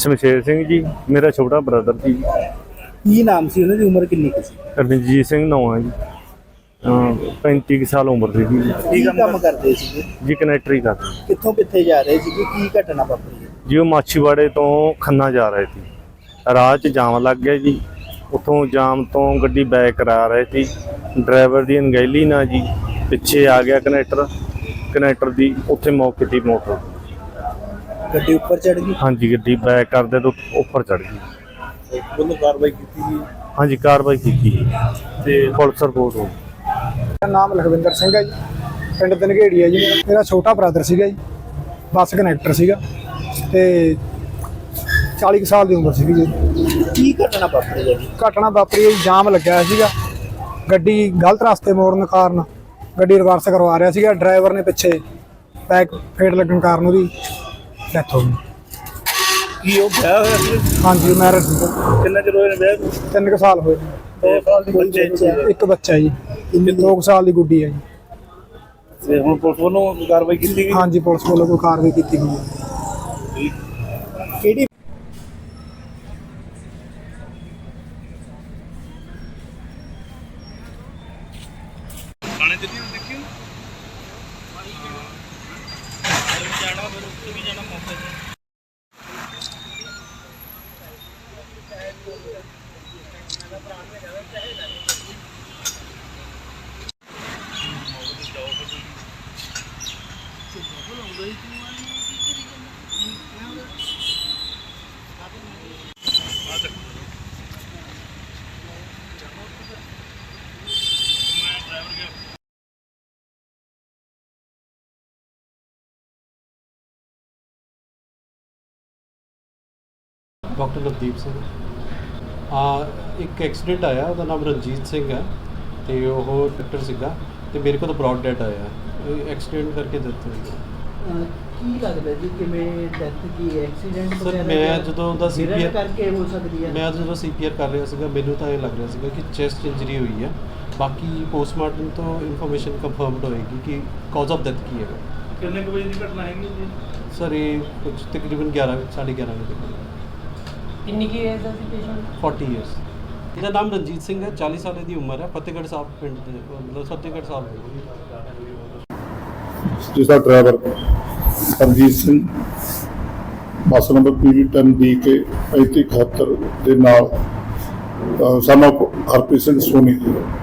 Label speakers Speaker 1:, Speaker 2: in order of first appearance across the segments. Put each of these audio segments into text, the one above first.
Speaker 1: ਸ਼ਮਸ਼ੇਰ ਸਿੰਘ ਜੀ, ਮੇਰਾ ਛੋਟਾ ਬ੍ਰਦਰ ਜੀ।
Speaker 2: ਕੀ ਨਾਮ ਸੀ ਉਹਨਾਂ ਦੀ, ਉਮਰ ਕਿੰਨੀ ਕੁ ਸੀ?
Speaker 1: ਰਣਜੀਤ ਸਿੰਘ ਨਾਂ ਹੈ ਜੀ। 35 ਕੁ ਸਾਲ ਉਮਰ ਸੀ ਜੀ।
Speaker 2: ਕੀ ਕੰਮ ਕਰਦੇ ਸੀ
Speaker 1: ਜੀ ਕਨੈਕਟਰੀ ਕਰਦੇ
Speaker 2: ਕਿੱਥੋਂ ਕਿੱਥੇ ਜਾ ਰਹੇ ਸੀ, ਕੀ ਘਟਨਾ ਵਾਪਰੀ?
Speaker 1: ਜੀ। ਉਹ ਮਾਛੀਵਾੜੇ ਤੋਂ ਖੰਨਾ ਜਾ ਰਹੇ ਸੀ, ਰਾਹ 'ਚ ਜਾਮ ਲੱਗ ਗਿਆ ਜੀ। ਉੱਥੋਂ ਜਾਮ ਤੋਂ ਗੱਡੀ ਬੈਕ ਕਰਾ ਰਹੇ ਸੀ, ਡਰਾਈਵਰ ਦੀ ਅਣਗਹਿਲੀ ਨਾਲ ਜੀ ਪਿੱਛੇ ਆ ਗਿਆ ਕਨੈਕਟਰ ਦੀ ਉੱਥੇ ਮੌਕੇ ਦੀ ਮੋਟਰ
Speaker 2: ਗੱਡੀ ਉੱਪਰ ਚੜ ਗਈ?
Speaker 1: ਹਾਂਜੀ, ਗੱਡੀ ਬੈਕ ਕਰਦੇ ਤੋਂ ਉੱਪਰ ਚੜ ਗਈ।
Speaker 2: ਉਹਨੂੰ ਕਾਰਵਾਈ ਕੀਤੀ ਜੀ?
Speaker 1: ਹਾਂਜੀ, ਕਾਰਵਾਈ ਕੀਤੀ ਤੇ ਪੁਲਿਸ ਰਿਪੋਰਟ ਹੋ ਗਈ।
Speaker 3: ਮੇਰਾ ਨਾਮ ਲਖਵਿੰਦਰ ਸਿੰਘ ਹੈ ਜੀ, ਪਿੰਡ ਦਨਗੇੜੀ ਹੈ ਜੀ। ਮੇਰਾ ਛੋਟਾ ਬ੍ਰਦਰ ਸੀਗਾ ਜੀ, ਬੱਸ ਕਨੈਕਟਰ ਸੀਗਾ ਤੇ 40 ਕੁ ਸਾਲ ਦੀ ਉਮਰ ਸੀਗੀ ਜੀ।
Speaker 2: ਕੀ ਘਟਨਾ ਵਾਪਰੀ ਹੈ ਜੀ?
Speaker 3: ਘਟਨਾ ਵਾਪਰੀ ਹੈ, ਜਾਮ ਲੱਗਿਆ ਹੋਇਆ ਸੀਗਾ, ਗੱਡੀ ਗਲਤ ਰਸਤੇ ਮੋੜਨ ਕਾਰਨ ਗੱਡੀ ਰਿਵਰਸ ਕਰਵਾ ਰਿਹਾ ਸੀਗਾ, ਡਰਾਈਵਰ ਨੇ ਪਿੱਛੇ ਬੈਕ ਫੇਟ ਲੱਗਣ ਕਾਰਨ ਉਹਦੀ ਡੈਥ ਹੋ ਗਈ।
Speaker 2: ਕੀ ਉਹ ਵਿਆਹ ਹੋਇਆ ਸੀ?
Speaker 3: ਹਾਂਜੀ, ਮੈਰਿਜ ਸੀਗਾ।
Speaker 2: ਕਿੰਨਾ ਚਿਰ ਹੋਇਆ ਵਿਆਹ ਨੂੰ?
Speaker 3: 3 ਕੁ ਸਾਲ ਹੋਏ।
Speaker 2: 2 ਸਾਲ ਦੀ ਬੱਚੇ?
Speaker 3: ਇੱਕ ਬੱਚਾ ਜੀ, 2 ਸਾਲ ਦੀ ਗੁੱਡੀ ਹੈ ਜੀ।
Speaker 2: ਤੇ ਹੁਣ ਪੁਲਿਸ ਵੱਲੋਂ ਕਾਰਵਾਈ ਕੀਤੀ ਗਈ?
Speaker 3: ਹਾਂਜੀ, ਪੁਲਿਸ ਵੱਲੋਂ ਕੋਈ ਕਾਰਵਾਈ ਕੀਤੀ ਗਈ ਹੈ।
Speaker 2: ਕਿਹੜੀ ਖਾਣੇ ਤੇ ਨਹੀਂ ਦੇਖਿਓ ਜਾਣਾ, ਫਿਰ ਉੱਥੇ ਵੀ ਜਾਣਾ ਮੌਕੇ ਤੇ।
Speaker 4: ਡਾਕਟਰ ਨਵਦੀਪ ਸਿੰਘ। ਇੱਕ ਐਕਸੀਡੈਂਟ ਆਇਆ, ਉਹਦਾ ਨਾਮ ਰਣਜੀਤ ਸਿੰਘ ਹੈ ਅਤੇ ਉਹ ਡਾਕਟਰ ਸੀਗਾ ਅਤੇ ਮੇਰੇ ਕੋਲ ਬਰੋਡ ਡੈਥ ਆਇਆ। ਐਕਸੀਡੈਂਟ ਕਰਕੇ ਡੈਥ ਹੋਈ।
Speaker 5: ਕੀ ਲੱਗਦਾ ਜੀ ਕਿਵੇਂ ਡੈਥ ਕੀ ਐਕਸੀਡੈਂਟ
Speaker 4: ਸਰ ਮੈਂ ਜਦੋਂ ਉਹਦਾ CPR
Speaker 5: ਕਰਕੇ ਹੋ ਸਕਦੀ ਹੈ?
Speaker 4: ਮੈਂ ਜਦੋਂ CPR ਕਰ ਰਿਹਾ ਸੀਗਾ, ਮੈਨੂੰ ਤਾਂ ਇਹ ਲੱਗ ਰਿਹਾ ਸੀਗਾ ਕਿ ਚੈਸਟ ਇੰਜਰੀ ਹੋਈ ਹੈ। ਬਾਕੀ ਪੋਸਟਮਾਰਟਮ ਤੋਂ ਇਨਫੋਰਮੇਸ਼ਨ ਕੰਫਰਮਡ ਹੋਏਗੀ ਕਿ ਕਾਜ਼ ਆਫ ਡੈਥ ਕੀ ਹੈਗਾ।
Speaker 2: ਕਿੰਨੇ ਕੁ ਵਜੇ ਦੀ ਘਟਨਾ ਹੈਗੀ ਜੀ?
Speaker 4: ਸਰ ਇਹ ਕੁਝ ਤਕਰੀਬਨ 11:30 ਵਜੇ।
Speaker 5: ਕਿੰਨੀ ਕੀ ਏਜ ਦਾ ਸੀ ਪੇਸ਼ੈਂਟ?
Speaker 4: 40 ਈਅਰਸ। ਇਹਦਾ ਨਾਮ ਰਣਜੀਤ ਸਿੰਘ ਹੈ, 40 ਸਾਲ ਦੀ ਉਮਰ ਹੈ, ਫਤਿਹਗੜ੍ਹ ਸਾਹਿਬ ਪਿੰਡ ਦੇ, ਮਤਲਬ ਫਤਿਹਗੜ੍ਹ ਸਾਹਿਬ
Speaker 6: ਜਿਸਦਾ driver Ranjit Singh bus number PV10DK 3571 ਦੇ ਨਾਲ ਸਾਨੂੰ ਹਰਪ੍ਰੀਤ ਸਿੰਘ ਸੋਨੀ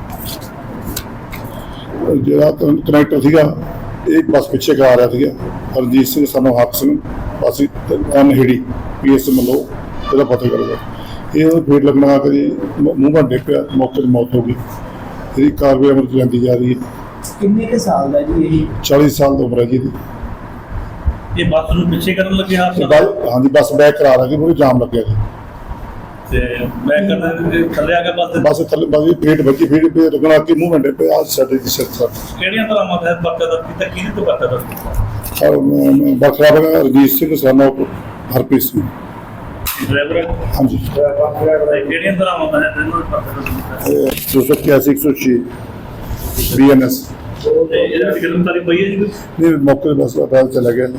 Speaker 6: ਜਿਹੜਾ ਕਨੈਕਟਰ ਸੀਗਾ, ਇਹ ਬੱਸ ਪਿੱਛੇ ਕਰਾ ਰਿਹਾ ਸੀਗਾ। ਰਣਜੀਤ ਸਿੰਘ ਸਾਨੂੰ ਹੱਕ ਸਿੰਘ ਬੱਸ ਅਨਹੇੜੀ PS ਮਲੋ ਇਹਦਾ ਪਤਾ ਕਰੂਗਾ। ਇਹ ਉਹਨੂੰ ਫੇਟ ਲੱਗਣਾ ਕਰੀ ਮੂੰਹ ਭਾਂਡੇ ਪਿਆ, ਮੌਕੇ 'ਤੇ ਮੌਤ ਹੋ ਗਈ। ਇਹਦੀ ਕਾਰਵਾਈ ਅਮਲ 'ਚ ਜਾਂਦੀ ਜਾ ਰਹੀ ਹੈ।
Speaker 2: ਕਿੰਨੇ ਕੁ ਸਾਲ ਦਾ ਜੀ ਇਹ?
Speaker 6: 40 ਸਾਲ ਦੀ ਉਮਰ ਹੈ ਜੀ ਇਹਦੀ।
Speaker 2: ਇਹ ਬੱਸ ਨੂੰ ਪਿੱਛੇ ਕਰਨ ਲੱਗੇ ਹਾਦਸਾ?
Speaker 6: ਹਾਂਜੀ, ਬੱਸ ਬੈਕ ਕਰਾ ਰਹੀ ਸੀ, ਉਹਨੂੰ ਜਾਮ ਲੱਗਿਆ ਜੀ
Speaker 2: ਤੇ ਬੈਕ ਕਰਨ ਦੇ ਥੱਲੇ ਆ ਕੇ
Speaker 6: ਬੱਸ ਥੱਲੇ ਬੱਸ ਫੇਟ ਵੱਜੀ, ਫੇਟ ਪੇ ਲੱਗਣਾ ਕਿ ਮੂੰਹ ਭਾਂਡੇ ਪਿਆ ਸਾਡੇ ਦੀ ਸਿਰ ਸਰ।
Speaker 2: ਕਿਹੜੀਆਂ ਤਰ੍ਹਾਂ ਮਾਤਾ ਬੱਕਾ ਦਾ ਕੀਤਾ, ਕਿਹਦੇ ਤੋਂ ਬੱਕਾ ਦਾ?
Speaker 6: ਬਖਰਾ ਬਗਾ ਰਣਜੀਤ ਸਿੰਘ ਸਾਨੂੰ ਹਰਪ੍ਰੀਤ ਸਿੰਘ
Speaker 2: ਡਰਾਈਵਰ?
Speaker 6: ਹਾਂਜੀ।
Speaker 2: ਕਿਹੜੀਆਂ ਤਰ੍ਹਾਂ ਮਾਤਾ ਹੈ ਤੈਨੂੰ ਬੱਕਾ ਦਾ?
Speaker 6: 281 106 BNS।
Speaker 2: ਤੇ ਇਹਦੇ ਵਿੱਚ ਗ੍ਰਿਫਤਾਰੀ ਪਈ ਹੈ ਜੀ?
Speaker 6: ਨਹੀਂ, ਮੌਕੇ 'ਤੇ ਬੱਸ ਅਦਾਲਤ ਚਲਾ ਗਿਆ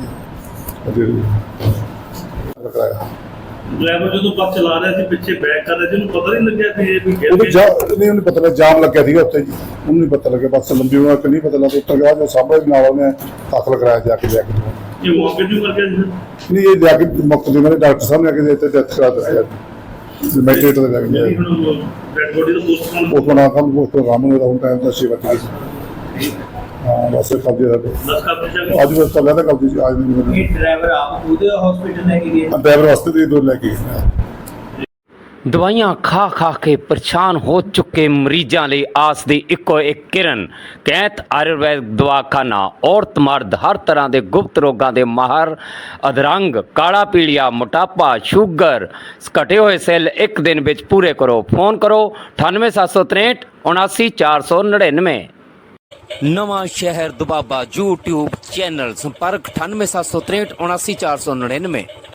Speaker 6: ਕਰਾਇਆ।
Speaker 2: ਡਰਾਈਵਰ ਜਦੋਂ ਬੱਸ ਚਲਾ ਰਿਹਾ ਸੀ, ਪਿੱਛੇ ਬੈਕ ਕਰ ਰਿਹਾ ਸੀ, ਉਹਨੂੰ ਪਤਾ ਨਹੀਂ ਲੱਗਿਆ ਕਿ ਇਹ ਵੀ ਗਿਰ
Speaker 6: ਉਹਨੂੰ
Speaker 2: ਗਿਆ?
Speaker 6: ਨਹੀਂ, ਉਹਨੂੰ ਪਤਾ ਲੱਗਾ ਜਾਮ ਲੱਗਿਆ ਸੀਗਾ ਉੱਥੇ ਜੀ, ਉਹਨੂੰ ਨਹੀਂ ਪਤਾ ਲੱਗਿਆ। ਬੱਸ ਲੰਬੀ ਹੋਣਾ ਕਿ ਨਹੀਂ ਪਤਾ ਲੱਗਾ, ਉੱਤਰ ਗਿਆ ਜੋ ਸਾਹਮਣੇ ਨਾਲ ਉਹਨੇ ਦਾਖਲ ਕਰਾਇਆ ਜਾ ਕੇ
Speaker 2: ਇਹ ਮੌਕੇ ਤੇ ਮਰ ਗਿਆ ਜੀ?
Speaker 6: ਨਹੀਂ, ਇਹ ਜਾ ਕੇ ਮੌਕੇ 'ਤੇ ਮੇਰੇ ਡਾਕਟਰ ਸਾਹਿਬ ਨੇ ਆ ਕੇ ਇੱਥੇ ਡੈਥ ਕਰਾ ਦਿੱਤੀ। ਮੈਟਰੇਟ ਦੇ ਲੱਗ ਗਿਆ
Speaker 2: ਹੁਣ ਡੈਡ ਬੋਡੀ ਦਾ ਪੋਸਟਮਾਰਟਮ
Speaker 6: ਉਹ ਬਣਾ ਕੰਮ ਉਹ ਪ੍ਰੋਗਰਾਮ ਨੂੰ ਹੁਣ ਟਾਈਮ ਦਾ ਸੇਵਾ ਕੀਤੀ। ਹਾਂ, ਬਸ ਕਬਜ਼ੇ ਦਾ
Speaker 2: ਦੱਸ ਕਰ ਪਿੱਛੇ
Speaker 6: ਅੱਜ ਬਸ ਚੱਲਿਆ ਤਾਂ ਕਬਜ਼ੇ 'ਚ ਅੱਜ ਨਹੀਂ
Speaker 5: ਇਹ ਡਰਾਈਵਰ ਆਪ ਉਹਦੇ ਹਸਪੀਟਲ ਲੈ ਕੇ ਗਏ?
Speaker 6: ਡਰਾਈਵਰ ਵਾਸਤੇ ਦੇ ਦੋ ਲੈ ਕੇ ਗਏ।
Speaker 7: ਦਵਾਈਆਂ ਖਾ ਖਾ ਕੇ ਪਰੇਸ਼ਾਨ ਹੋ ਚੁੱਕੇ ਮਰੀਜ਼ਾਂ ਲਈ ਆਸ ਦੀ ਇੱਕੋ ਇੱਕ ਕਿਰਨ ਕੈਂਤ ਆਯੁਰਵੈਦ ਦਵਾਖਾਨਾ। ਔਰਤ ਮਰਦ ਹਰ ਤਰ੍ਹਾਂ ਦੇ ਗੁਪਤ ਰੋਗਾਂ ਦੇ ਮਾਹਰ, ਅਧਰੰਗ, ਕਾਲਾ ਪੀਲੀਆ, ਮੋਟਾਪਾ, ਸ਼ੂਗਰ, ਘਟੇ ਹੋਏ ਸੈੱਲ ਇੱਕ ਦਿਨ ਵਿੱਚ ਪੂਰੇ ਕਰੋ। ਫੋਨ ਕਰੋ 98763 79499। ਨਵਾਂ ਸ਼ਹਿਰ ਦੁਬਾਬਾ YouTube ਚੈਨਲ। ਸੰਪਰਕ 98763 79499।